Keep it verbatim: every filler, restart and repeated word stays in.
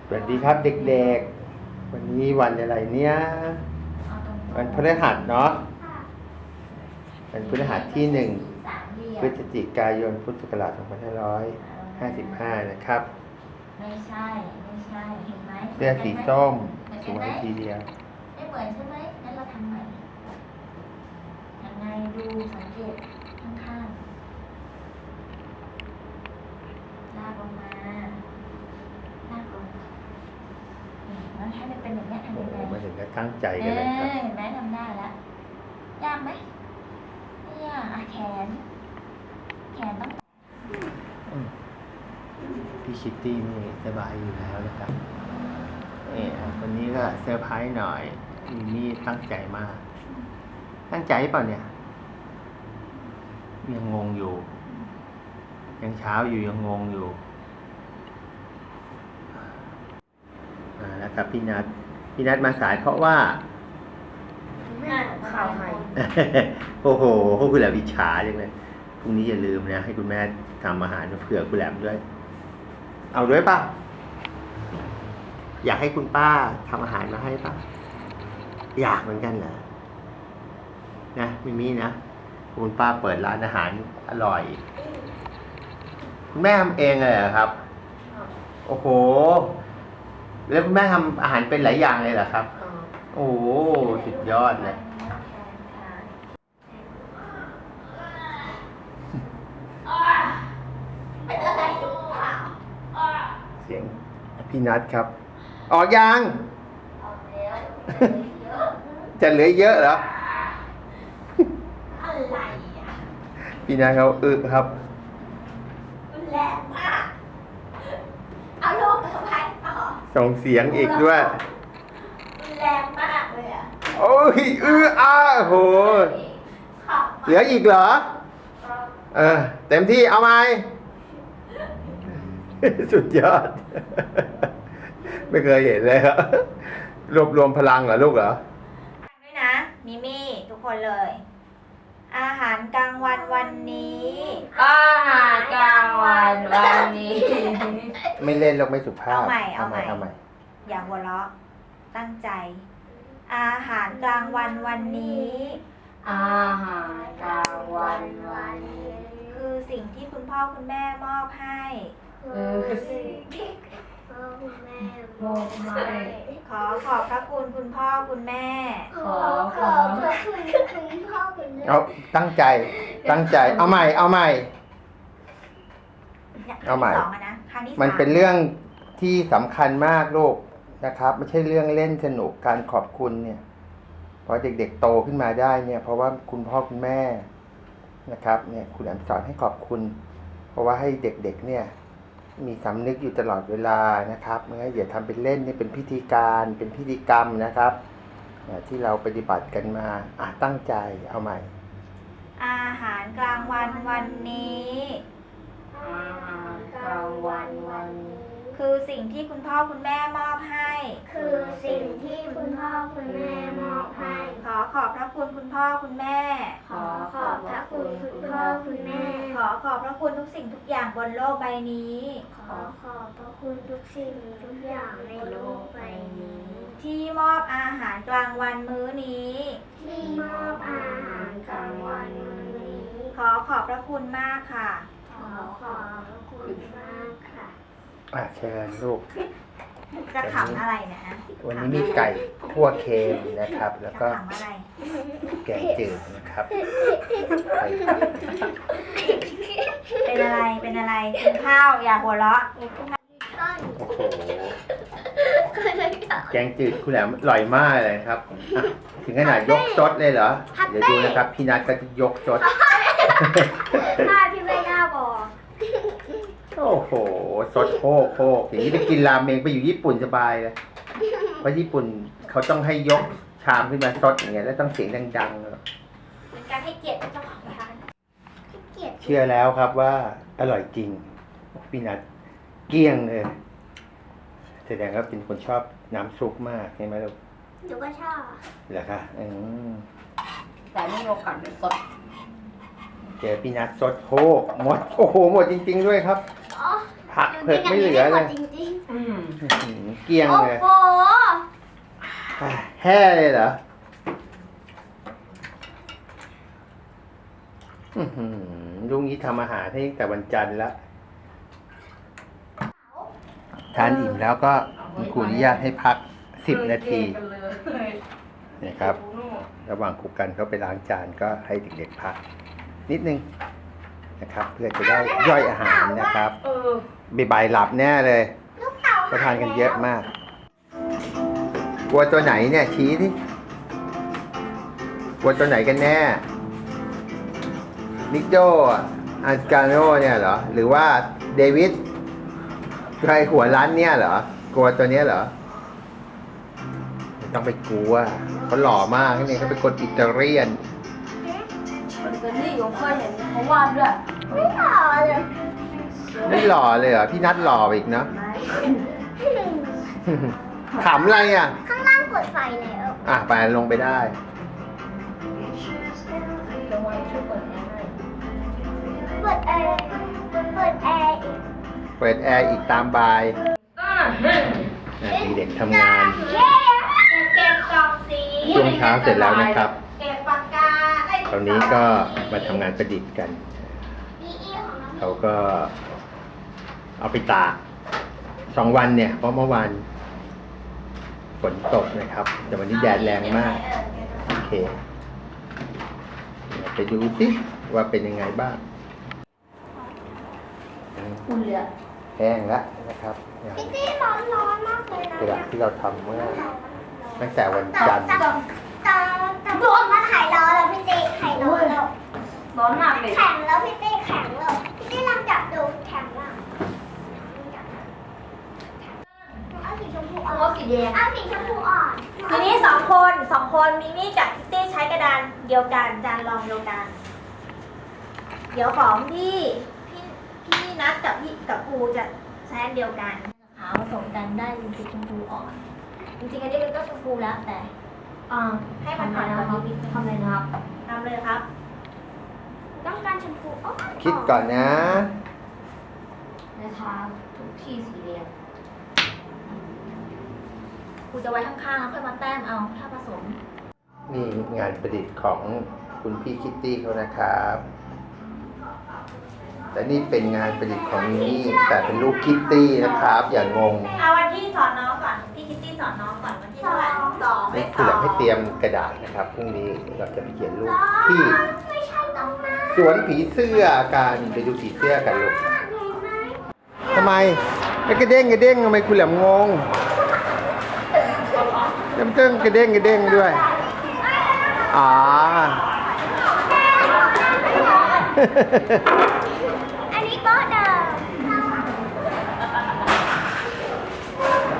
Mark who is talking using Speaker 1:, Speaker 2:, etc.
Speaker 1: สวัสดีครับเด็กๆวันนี้วันอะไรเนี่ยวันพฤหัสเนาะวันพฤหัสที่หนึ่งพฤศจิกายนพุทธศักราชสองพันห้าร้อยห้าสิบห้านะครับ
Speaker 2: ไม่ใช่ไม่ใช่เห็นไหม
Speaker 1: เสื้อสีส้มสวยทีเดียว
Speaker 2: ไม่เหมือนใช่ไหมงั้นเราทำใหม่ยังไงดูสังเกตข้างๆลากลงมาลากลงนี่แล้วให้มันเป็นอย่างนี้ทำยังไง
Speaker 1: มาถึงก็ตั้งใจกันเลยครับ
Speaker 2: เห็นไหมทำได้แล้วยากไหมไม่ยากอ่ะแขนแขนต้อง
Speaker 1: พี่ชิตตี้นี่สบายอยู่แล้วนะครับนี่วันนี้ก็เซอร์ไพรส์หน่อยมีมี่ตั้งใจมากตั้งใจเปล่าเนี่ยยังงงอยู่ยังเช้าอยู่ยังงงอยู่อ่านะครับพี่นัทพี่นัทมาสายเพราะว่า
Speaker 2: แม่ข่าวใคร
Speaker 1: โอ้โหคุณแหลมอิจฉาจังเลยพรุ่งนี้อย่าลืมนะให้คุณแม่ทำอาหารเผื่อคุณแหลมด้วยเอาด้วยป่ะอยากให้คุณป้าทำอาหารมาให้ป่ะอยากเหมือนกันเหรอนะมิมี่นะคุณป้าเปิดร้านอาหารอร่อยคุณแม่ทำเองเลยเหรอครับโอ้โหแล้วคุณแม่ทำอาหารเป็นหลายอย่างเลยเหรอครับโอ้โหสุดยอดเลยเสียงพี่นัทครับออกยังจะเหลือเยอะเหรอ
Speaker 2: อะไรอ่ะ
Speaker 1: พี่นัทเขาอึครับ
Speaker 2: แรงมากเอาลูกเข้าไปเอา
Speaker 1: ส่งเสียงอีกด้วย
Speaker 2: แรงมากเลยอ่ะ
Speaker 1: โอ้ยอื้ออ้าโหเหลืออีกเหรอเออเต็มที่เอาไหมสุดยอดไม่เคยเห็นเลยครับรวบรวมพลังเหรอลูกเหรอ
Speaker 2: ด้วยนะมิมี่ทุกคนเลยอาหารกลางวันวันนี้
Speaker 3: อาหารกลางวันวันนี้
Speaker 1: ไม่เล่นหรอกไม่สุภาพ
Speaker 2: เอาใหม่เอาใหม่
Speaker 1: เอาใหม่
Speaker 2: อย่าหัวเราะตั้งใจอาหารกลางวันวันนี้
Speaker 3: อาหารกลางวันวันนี้
Speaker 2: คือสิ่งที่คุณพ่อคุณแม่มอบให้
Speaker 3: คือสิ่งที่พ่อคุณแม่มอบให้
Speaker 2: ขอขอบพระคุณคุณพ่อคุณแม่
Speaker 3: ขอขอบพระคุณคุณพ่อคุณแม่
Speaker 1: เอาตั้งใจตั้งใจเอาใหม่เอาใหม่เอาใหม่มันเป็นเรื่องที่สำคัญมากลูกนะครับไม่ใช่เรื่องเล่นสนุกการขอบคุณเนี่ยพอเด็กๆโตขึ้นมาได้เนี่ยเพราะว่าคุณพ่อคุณแม่นะครับเนี่ยคุณแอมสอนให้ขอบคุณเพราะว่าให้เด็กๆเนี่ยมีสำนึกอยู่ตลอดเวลานะครับไม่งั้นอย่าทำเป็นเล่นนี่เป็นพิธีการเป็นพิธีกรรมนะครับที่เราปฏิบัติกันมาอ่ะตั้งใจเอาใหม่
Speaker 2: อาหารกลางวันวันนี้
Speaker 3: อาหารกลางวันวันนี้
Speaker 2: คือสิ่งที่คุณพ่อคุณแม่มอบให้
Speaker 3: คือสิ่งที่คุณพ่อคุณแม่มอบให้
Speaker 2: ขอขอบพระคุณคุณพ่อคุณแม่
Speaker 3: ขอขอบพระคุณคุณพ่อคุณแม่
Speaker 2: ขอขอบพระคุณทุกสิ่งทุกอย่างบนโลกใบนี้
Speaker 3: ขอขอบพระคุณทุกสิ่งทุกอย่างในโลกใบนี้
Speaker 2: ที่มอบอาหารกลางวันมื้อนี้
Speaker 3: ที่มอบอาหารกลางวันมื้อนี้
Speaker 2: ขอขอบพระคุณมากค่ะ
Speaker 3: ขอขอบพระคุณมากค่ะ
Speaker 1: อ่ะเชิญลูก
Speaker 2: จะขำอะไรเนี่ยฮะ
Speaker 1: วันนี้มีไก่คั่วเค็มนะครับแล้วก็แกงจืดนะครับ
Speaker 2: เป็นอะไรเป็นอะไรกินข้าวอย่าหัวเราะ
Speaker 1: โอ้โหแกงจืดคุณแหลมอร่อยมากเลยครับถึงขนาดยกซดเลยเหรอเดี๋ยวดูนะครับพี่นัทก็จะยกซด
Speaker 2: ถ้าพี่ไม่น่าบอก
Speaker 1: โอ้โหซดโคกโคกอย่างนี้ไปกินราเมงไปอยู่ญี่ปุ่นสบายเลยเพราะญี่ปุ่นเขาต้องให้ยกชามขึ้นมาซดอย่างเงี้ยแล้วต้องเสียงดังๆ
Speaker 2: เป็นการให้เกียรติเจ้าของร้าน
Speaker 1: เชื่อแล้วครับว่าอร่อยจริงพี่นัทเกลี้ยงเลยแสดงว่าเป็นคนชอบน้ำซุปมากใช่ไหมลูก
Speaker 2: หนูก็ชอบ
Speaker 1: เหรอคะอืม
Speaker 3: แต่ไม่มีโอกาสได้สด
Speaker 1: เจอพี่นัทสดโคกหมดโอ้โหหมดจริงๆด้วยครับผักเผือกไม่เหลือเลยเกลี้ยง
Speaker 2: โอ้
Speaker 1: เลย
Speaker 2: โห
Speaker 1: แห่เลยเหรออื้อหือลุงนี้ทำอาหารให้ตั้งแต่วันจันทร์แล้ว ทานอิ่มแล้วก็คุณครูอนุญาตให้พักสิบนาทีนะครับ ระหว่างครูกันเขาไปล้างจานก็ให้เด็กๆพัก นิดนึงนะครับ เพื่อจะได้ย่อยอาหารนะครับ
Speaker 2: เออ
Speaker 1: บ่ายๆหลับแน่เลย
Speaker 3: ลูกเต่า
Speaker 1: ก็ทานกันเยอะมาก กลัวตัวไหนเนี่ยชี้ที่กลัวตัวไหนกันแน่มิกโดอันการโนเนี่ยเหรอ หรือว่าเดวิดใครหัวร้านเนี่ยเหรอ กลัวตัวเนี้ยเหรอไม่ต้องไปกลัวเขาหล่อมากนี่เขาเป็นคนอิตาเลียน
Speaker 2: มันเป็นนี่ผมเคยเห็นเขาวาดด้วย
Speaker 3: ไม่หล่อเลย
Speaker 1: ไม่หล่อเลยเหรอ พี่นัทหล่อไปอีกเนาะ ขำอะไรอ่ะ
Speaker 3: ข้างล่างเปิดไฟแล้ว
Speaker 1: อ่ะไปลงไปได้
Speaker 2: จะไว้ช่วยเปิดแอร์ให้
Speaker 3: เปิดแอร์เปิดแอร์อีก
Speaker 1: เปิดแอร์อีกตามบายอ่ะมีเด็กทำงาน
Speaker 3: เย้เก็บกล่องสี
Speaker 1: ช่วงเช้าเสร็จแล้วนะครับ
Speaker 3: เก็บปากกาไอ้
Speaker 1: ตอนนี้ก็มาทำงานประดิษฐ์กัน
Speaker 3: อีอีของน้อง
Speaker 1: เขาก็เอาไปตากสองวันเนี่ย เพราะเมื่อวานฝนตกนะครับ แต่วันนี้แดดแรงมาก โอเคเดี๋ยวไปดูสิว่าเป็นยังไงบ้าง
Speaker 2: อุ่นเลยอะ
Speaker 1: แห้งแล้วนะครับ
Speaker 3: พี่ตี้ร้อนร้อนมากเลยนะ
Speaker 1: กระดาษที่เราทำเมื่อตั้งแต่วัน
Speaker 3: แต่
Speaker 1: จันทร์
Speaker 3: แต่แต่แต่โดนมันหายร้อนแล้วพี่ตี้หายร้อนแล้ว
Speaker 2: ร้อนมากเลย
Speaker 3: แข็งแล้วพี่ตี้แข็งแล้วพี่ตี้ลองจับดูแข็งแล้วเอาสีชมพูอ่อน
Speaker 2: เอาสีแดง
Speaker 3: เอาสีชมพูอ่อน
Speaker 2: ทีนี้สองคนสองคนมิมี่กับคิตตี้ใช้กระดานเดียวกันจานรองเดียวกัน เดี๋ยวของพี่พี่พี่นัทกับพี่กับครูจะใช้อันเดียวกันขาวผสมกันได้เป็นสีชมพูอ่อน จริงๆอันนี้มันก็ชมพูแล้วแต่อ่าให้มันอ่อนกว่านี้นิดนึงทำเลยนะครับทำเลยครับ
Speaker 3: ต้องการชมพูอ่อน
Speaker 1: คิดก่อนนะ
Speaker 2: นะคะทุกที่สีแดงครูจะไว้ข้างๆแล้วค่อยมาแต้มเอาถ้าผสม
Speaker 1: นี่งานประดิษฐ์ของคุณพี่คิตตี้เขานะครับ แต่นี่เป็นงานประดิษฐ์ของมินี่แต่เป็นรูปคิตตี้นะครับ อย่างงง
Speaker 2: เอาวันที่สอนน้องก่อนพี่คิตตี้สอนน้องก่อนวันที่เท่าไหร่สองเล
Speaker 1: นี่
Speaker 2: ขส
Speaker 1: คือ
Speaker 2: อ
Speaker 1: เรา
Speaker 2: ง
Speaker 1: ให้เตรียมกระดาษนะครับพรุ่งนี้เราจะไปเขียนรูปที่
Speaker 3: ไม่ใช่ตรงนั้น
Speaker 1: สวนผีเสื้อกันไปดูผีเสื้อกันลูก
Speaker 3: เห็นไหม
Speaker 1: ทำไมไม่กระเด้งกระเด้งทำไมคุณแหลมงงเริ่มเต้นกระเด้งกระเด้งด้วยอ๋อ
Speaker 3: อันนี้โต๊ะเดิม